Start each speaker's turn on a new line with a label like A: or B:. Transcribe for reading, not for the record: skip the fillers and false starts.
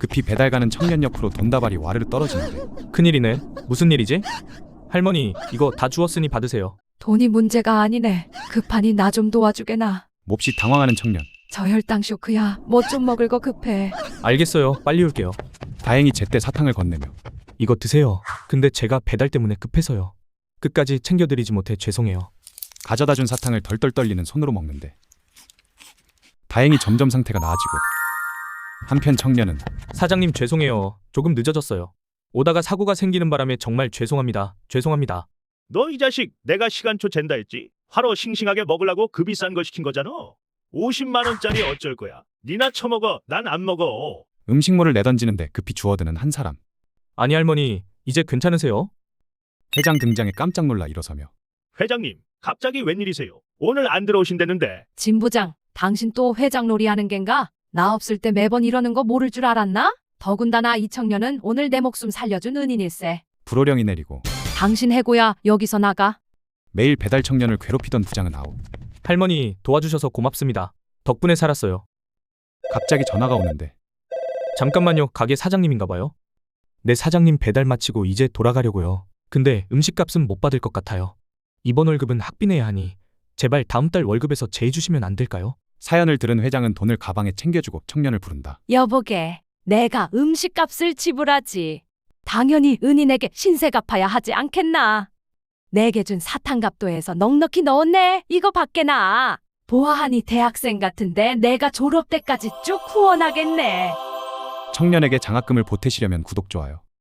A: 급히 배달 가는 청년 옆으로 돈다발이 와르르 떨어지는데
B: 큰일이네. 무슨 일이지? 할머니, 이거 다 주웠으니 받으세요.
C: 돈이 문제가 아니네. 급하니 나 좀 도와주게나.
A: 몹시 당황하는 청년.
C: 저혈당 쇼크야. 뭐 좀 먹을 거 급해.
B: 알겠어요. 빨리 올게요.
A: 다행히 제때 사탕을 건네며
B: 이거 드세요. 근데 제가 배달 때문에 급해서요. 끝까지 챙겨드리지 못해 죄송해요.
A: 가져다 준 사탕을 덜덜 떨리는 손으로 먹는데 다행히 점점 상태가 나아지고 한편 청년은
B: 사장님 죄송해요. 조금 늦어졌어요. 오다가 사고가 생기는 바람에 정말 죄송합니다. 죄송합니다.
D: 너 이 자식 내가 시간초 잰다 했지? 화로 싱싱하게 먹으려고 그 비싼 거 시킨 거잖아. 50만 원짜리 어쩔 거야. 니나 처먹어. 난 안 먹어.
A: 음식물을 내던지는데 급히 주워드는 한 사람.
B: 아니 할머니, 이제 괜찮으세요?
A: 회장 등장에 깜짝 놀라 일어서며
D: 회장님, 갑자기 웬일이세요? 오늘 안 들어오신다는데.
C: 진 부장, 당신 또 회장 놀이 하는 겐가? 나 없을 때 매번 이러는 거 모를 줄 알았나? 더군다나 이 청년은 오늘 내 목숨 살려준 은인일세.
A: 불호령이 내리고
C: 당신 해고야. 여기서 나가.
A: 매일 배달 청년을 괴롭히던 부장은 아웃.
B: 할머니, 도와주셔서 고맙습니다. 덕분에 살았어요.
A: 갑자기 전화가 오는데
B: 잠깐만요. 가게 사장님인가 봐요. 네, 사장님 배달 마치고 이제 돌아가려고요. 근데 음식값은 못 받을 것 같아요. 이번 월급은 학비내야 하니 제발 다음 달 월급에서 제해주시면 안 될까요?
A: 사연을 들은 회장은 돈을 가방에 챙겨주고 청년을 부른다.
C: 여보게, 내가 음식값을 지불하지. 당연히 은인에게 신세 갚아야 하지 않겠나? 내게 준 사탕값도 해서 넉넉히 넣었네. 이거 받게나. 보아하니 대학생 같은데 내가 졸업 때까지 쭉 후원하겠네.
A: 청년에게 장학금을 보태시려면 구독, 좋아요.